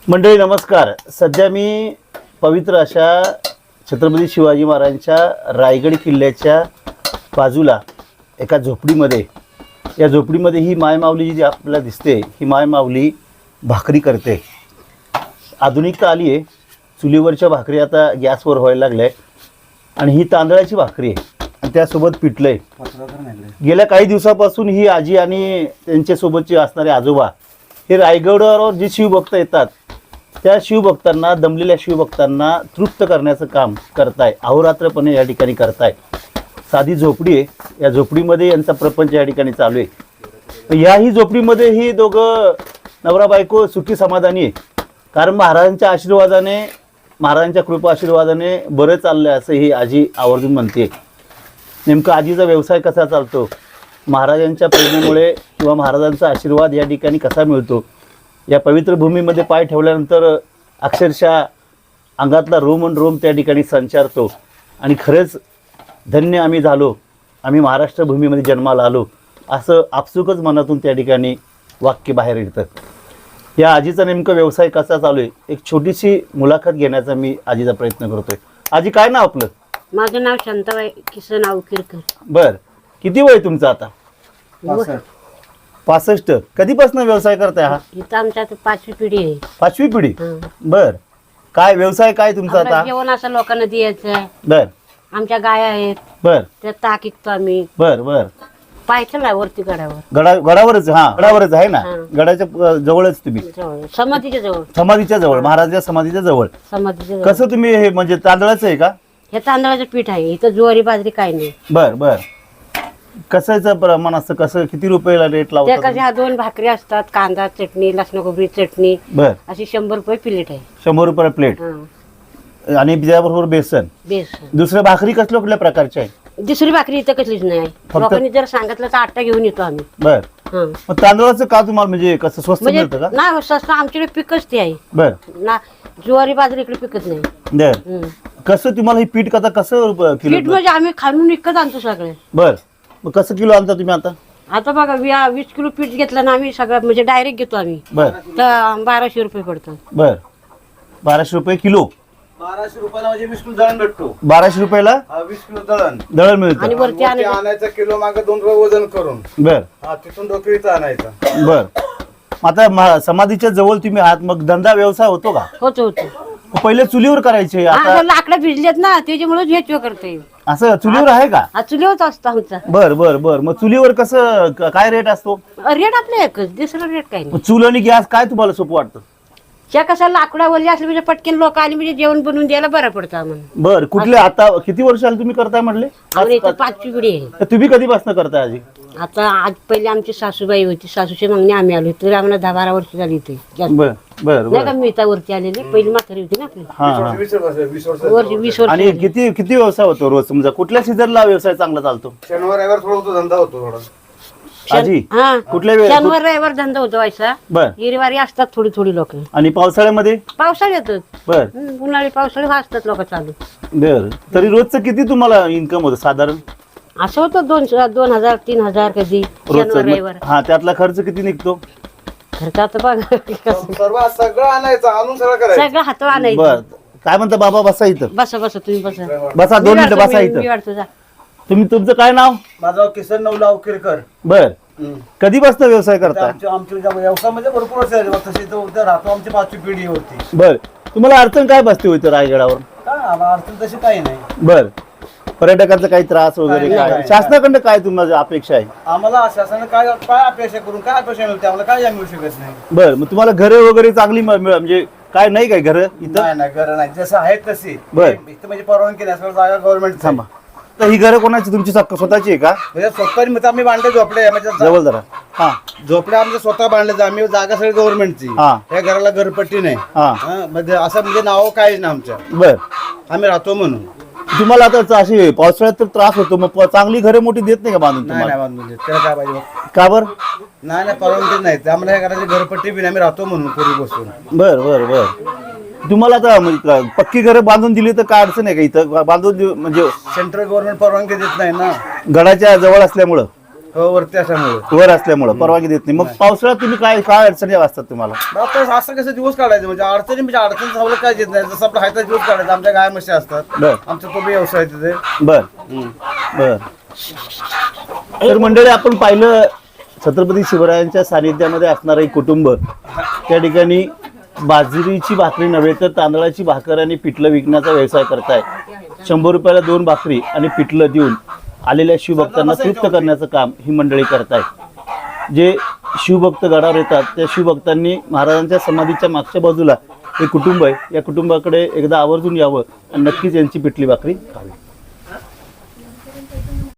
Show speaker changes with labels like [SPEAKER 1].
[SPEAKER 1] मंडळी नमस्कार. सध्या मी पवित्र अशा छत्रपती शिवाजी महाराजांच्या रायगड किल्ल्याच्या बाजूला एका झोपडीमध्ये, या झोपडीमध्ये ही मायमाऊली जी आपल्याला दिसते, ही मायमाऊली भाकरी करते. आधुनिकता आली आहे, चुलीवरच्या भाकरी आता गॅसवर व्हायला लागल्या आहे आणि ही तांदळाची भाकरी आहे आणि त्यासोबत पिठलं आहे. गेल्या काही दिवसापासून ही आजी आणि त्यांच्यासोबतचे असणारे आजोबा हे रायगडावर जे शिवभक्त येतात त्या शिवभक्तांना, दमलेल्या शिवभक्तांना तृप्त करण्याचं काम करताय, अहोरात्रपणे या ठिकाणी करताय. साधी झोपडी आहे, या झोपडीमध्ये यांचा प्रपंच या ठिकाणी चालू आहे. याही झोपडीमध्ये ही दोघं नवरा बायको सुखी समाधानी आहे, कारण महाराजांच्या आशीर्वादाने, महाराजांच्या कृपा आशीर्वादाने बरं चाललं आहे असं ही आजी आवर्जून म्हणते. नेमकं आजीचा व्यवसाय कसा चालतो, महाराजांच्या प्रेरणेमुळे किंवा महाराजांचा आशीर्वाद या ठिकाणी कसा मिळतो, या पवित्र भूमीमध्ये पाय ठेवल्यानंतर अक्षरशः अंगातला रोम आणि रोम त्या ठिकाणी संचारतो आणि खरंच धन्य आम्ही झालो, आम्ही महाराष्ट्र भूमीमध्ये जन्माला आलो असं आपसुकच मनातून त्या ठिकाणी वाक्य बाहेर येतं. या आजीचा नेमकं व्यवसाय कसा चालू आहे, एक छोटीशी मुलाखत घेण्याचा मी आजीचा प्रयत्न करतोय. आजी काय नाव आपलं?
[SPEAKER 2] माझं नाव शांताबाई किसन अवकिरकर.
[SPEAKER 1] बर, किती वय तुमचं आता? 65. कधीपासून व्यवसाय करताय हा?
[SPEAKER 2] इथं आमच्या पाचवी पिढी आहे.
[SPEAKER 1] पाचवी पिढी. बर, काय व्यवसाय काय तुमचा आता?
[SPEAKER 2] जेवण असं लोकांना द्यायचं.
[SPEAKER 1] बर.
[SPEAKER 2] आमच्या गाय आहेत,
[SPEAKER 1] बर.
[SPEAKER 2] त्या ताक विकतो आम्ही.
[SPEAKER 1] बर बर.
[SPEAKER 2] पायथ्याला वरती गडावर.
[SPEAKER 1] गडावरच? हा, गडावरच आहे ना, गडाच्या जवळच तुम्ही?
[SPEAKER 2] समाधीच्या जवळ.
[SPEAKER 1] समाधीच्या जवळ, महाराजांच्या समाधीच्या जवळ.
[SPEAKER 2] समाधीच्या जवळ.
[SPEAKER 1] कसं तुम्ही हे म्हणजे तांदळाचं आहे का?
[SPEAKER 2] हे तांदळाचं पीठ आहे, इथं ज्वारी बाजरी काही नाही.
[SPEAKER 1] बर बर. कसायचं प्रमाण असतं, कसं किती रुपयाला रेट
[SPEAKER 2] त्या
[SPEAKER 1] लावतात?
[SPEAKER 2] कशा 2 भाकरी असतात, कांदा चटणी, लसण खोबरी चटणी,
[SPEAKER 1] बर.
[SPEAKER 2] अशी 100 रुपये प्लेट आहे.
[SPEAKER 1] 100 रुपये प्लेट. आणि त्याबरोबर बेसन.
[SPEAKER 2] बेसन.
[SPEAKER 1] दुसऱ्या भाकरी कसल्या कुठल्या प्रकारच्या आहे?
[SPEAKER 2] दुसरी भाकरी इथं कसलीच नाही. लोकांनी जर सांगितलं तर आटा घेऊन येतो आम्ही.
[SPEAKER 1] बर. मग तांदळाचं का तुम्हाला म्हणजे कसं स्वस्त
[SPEAKER 2] म्हणजे
[SPEAKER 1] मिळतं का?
[SPEAKER 2] नाही, स्वस्त आमच्याकडे पिकच ते आहे
[SPEAKER 1] बर.
[SPEAKER 2] ना, ज्वारी बाजरी इकडे पिकत नाही.
[SPEAKER 1] बर. कसं तुम्हाला हे पीठ कसं
[SPEAKER 2] पीठ
[SPEAKER 1] किलो?
[SPEAKER 2] म्हणजे आम्ही खालून विकत आणतो सगळे.
[SPEAKER 1] बर. मग कसं किलो आणता तुम्ही आता?
[SPEAKER 2] आता बघा 20 किलो पीठ घेतलं ना आम्ही, सगळं म्हणजे डायरेक्ट घेतो आम्ही.
[SPEAKER 1] बर.
[SPEAKER 2] तर 1200 रुपये पडतात.
[SPEAKER 1] बर. 1200 रुपये किलो.
[SPEAKER 3] 1200 रुपयाला म्हणजे 20 किलो दळण भेटतो.
[SPEAKER 1] 1200 रुपयाला
[SPEAKER 3] 20 किलो दळण
[SPEAKER 1] दळण मिळतं.
[SPEAKER 2] आणि वरती
[SPEAKER 3] आणायचं किलो मागे 2 रुपये वजन करून.
[SPEAKER 1] बर.
[SPEAKER 3] तिथून डोकरीचं आणायचं.
[SPEAKER 1] बर. आता समाधीच्या जवळ तुम्ही आहात, मग धंदा व्यवसाय होतो का?
[SPEAKER 2] होतो होतो.
[SPEAKER 1] पहिले चुलीवर करायचे, आता
[SPEAKER 2] लाकडं भिजलेत ना, त्याच्यामुळे झेचव करते.
[SPEAKER 1] असं चुलीवर आहे का?
[SPEAKER 2] हा चुलीवरच असतो आमचा.
[SPEAKER 1] बर बर बर. मग चुलीवर कसं काय रेट असतो?
[SPEAKER 2] रेट आपला एकच, दुसरा रेट काही नाही.
[SPEAKER 1] मग चूल आणि गॅस काय तुम्हाला सोपं वाटतं?
[SPEAKER 2] त्या कसं लाकडावरली असले म्हणजे पटकन लोक आली म्हणजे जेवण बनवून द्यायला बरं पडतं आम्हाला.
[SPEAKER 1] बर. कुठले आता किती वर्ष आले तुम्ही करताय म्हटले?
[SPEAKER 2] आम्ही इथं 5वी पिढी आहे.
[SPEAKER 1] तर तुम्ही कधीपासून करताय आजी?
[SPEAKER 2] आता आज पहिले आमची सासूबाई होती, सासूची मागणी आम्ही आलो, तर आम्हाला 10-12 वर्ष झाली इथे.
[SPEAKER 1] बर बर
[SPEAKER 2] नाही का
[SPEAKER 1] बर.
[SPEAKER 2] मी वरती आलेली, पहिली म्हातारी होती ना आपली.
[SPEAKER 1] हा हा.
[SPEAKER 3] 20 वर्ष
[SPEAKER 2] वर्ष 20 वर्ष.
[SPEAKER 1] आणि किती किती व्यवसाय होतो रोज? समजा कुठल्या सीझनला व्यवसाय चांगला चालतो?
[SPEAKER 3] शनिवार रविवार थोडा होतो, धंदा होतो थोडा.
[SPEAKER 1] आजी
[SPEAKER 2] हा,
[SPEAKER 1] कुठल्या वेळ?
[SPEAKER 2] शनिवार रविवार धंदा होतो व्हायचा.
[SPEAKER 1] बर.
[SPEAKER 2] हिरवारी असतात थोडी थोडी लोक.
[SPEAKER 1] आणि पावसाळ्यामध्ये?
[SPEAKER 2] पावसाळ्यात
[SPEAKER 1] बर
[SPEAKER 2] उन्हाळी पावसाळी असतात लोक चालू.
[SPEAKER 1] बर. तरी रोजचं किती तुम्हाला इन्कम होतं साधारण?
[SPEAKER 2] असं होतं 2,000 3,000 कधी शनिवार रविवार.
[SPEAKER 1] रोजचं. हा, त्यातला खर्च किती निघतो?
[SPEAKER 2] खर्च आता बघा
[SPEAKER 3] सर्व सगळं आणायचं, आणून सगळं करायचं.
[SPEAKER 2] सगळं हात आणायचं.
[SPEAKER 1] बर. काय म्हणता बाबा? बसा इथं.
[SPEAKER 2] बसा बसा तुम्ही बसा.
[SPEAKER 1] बसा 2 मिनिटं बसा
[SPEAKER 2] मी
[SPEAKER 1] इथं.
[SPEAKER 2] वाढतो जा.
[SPEAKER 1] तुमचं काय नाव?
[SPEAKER 3] माझं नाव किसन नवला अवकिरकर.
[SPEAKER 1] बर. कधीपासून व्यवसाय करता?
[SPEAKER 3] आमच्या व्यवसायामध्ये भरपूर वर्ष झाली. तशी इथं राहतो, आमची 5वी पिढी होती.
[SPEAKER 1] बर. तुम्हाला अडचण काय बसते होती रायगडावर?
[SPEAKER 3] काय आम्हाला अडचण तशी काही नाही.
[SPEAKER 1] बर. पर्यटकांचा काही त्रास वगैरे
[SPEAKER 3] नाही,
[SPEAKER 1] काय?
[SPEAKER 3] नाही.
[SPEAKER 1] शासनाकडनं काय तुम्हाला अपेक्षा आहे?
[SPEAKER 3] आम्हाला शासनाने काय काय अपेक्षा करून काय अपेक्षा मिळते आम्हाला, काय मिळू शकत नाही.
[SPEAKER 1] बर. मग तुम्हाला घरे वगैरे चांगली म्हणजे काय नाही काय घर इथं?
[SPEAKER 3] नाही नाही, घर नाही, जसं आहेत तशी.
[SPEAKER 1] बर.
[SPEAKER 3] इथं म्हणजे परवानगी नसल्यावर जागा गव्हर्नमेंट.
[SPEAKER 1] थांबा. तर ही घरं कोणाची? तुमची स्वतःची आहे का?
[SPEAKER 3] म्हणजे स्वतः म्हणजे आम्ही बांधले झोपडे, म्हणजे
[SPEAKER 1] जवळ जरा. हा
[SPEAKER 3] झोपडे आमचे स्वतः बांधले, आम्ही जागा सगळी गव्हर्नमेंटची.
[SPEAKER 1] हा.
[SPEAKER 3] या घराला घरपट्टी नाही.
[SPEAKER 1] हा.
[SPEAKER 3] म्हणजे असं म्हणजे नाव काहीच नाही आमच्या,
[SPEAKER 1] बर.
[SPEAKER 3] आम्ही राहतो म्हणून.
[SPEAKER 1] तुम्हाला आता अशी पावसाळ्यात तर त्रास होतो, मग चांगली घरे मोठी देत नाही का बांधून
[SPEAKER 3] नाही
[SPEAKER 1] तुम्हाला?
[SPEAKER 3] नाही बांधून देत. त्याला काय पाहिजे?
[SPEAKER 1] का बर?
[SPEAKER 3] नाही परवानगी नाही. आम्हाला या घराची घरपट्टी बी नाही, आम्ही राहतो म्हणून पूर्वी बसून.
[SPEAKER 1] बर बर बर. तुम्हाला आता म्हणजे पक्की घरं बांधून दिली तर काय अडचण आहे का इथं बांधून म्हणजे?
[SPEAKER 3] सेंट्रल गव्हर्नमेंट परवानगी देत नाही ना.
[SPEAKER 1] गडाच्या जवळ असल्यामुळं
[SPEAKER 3] वरती असल्यामुळे
[SPEAKER 1] वर असल्यामुळं परवानगी देत नाही. मग पावसाळ्यात तुम्ही काय अडचणी असतात तुम्हाला?
[SPEAKER 3] आता असं कसं दिवस काढायचं म्हणजे अडचण सवलत काय देत नाही. जसं आपलं हायता दिवस काढायचं. आमच्या गाय म्हशी असतात.
[SPEAKER 1] बर
[SPEAKER 3] आमचा तो बी व्यवसाय आहे तिथे.
[SPEAKER 1] बर बर. तर मंडळी, आपण पाहिलं छत्रपती शिवरायांच्या सानिध्यामध्ये असणारं एक कुटुंब त्या ठिकाणी बाजरीची भाकरी नव्हे तर तांदळाची भाकर आणि पिठलं विकण्याचा व्यवसाय करताय. 100 रुपयाला 2 भाकरी आणि पिठलं देऊन आलेल्या शिवभक्तांना तृप्त करण्याचं काम ही मंडळी करताय. जे शिवभक्त गडावर येतात त्या शिवभक्तांनी महाराजांच्या समाधीच्या मागच्या बाजूला हे कुटुंब आहे. या कुटुंबाकडे एकदा आवर्जून यावं आणि नक्कीच यांची पिठली भाकरी खावी.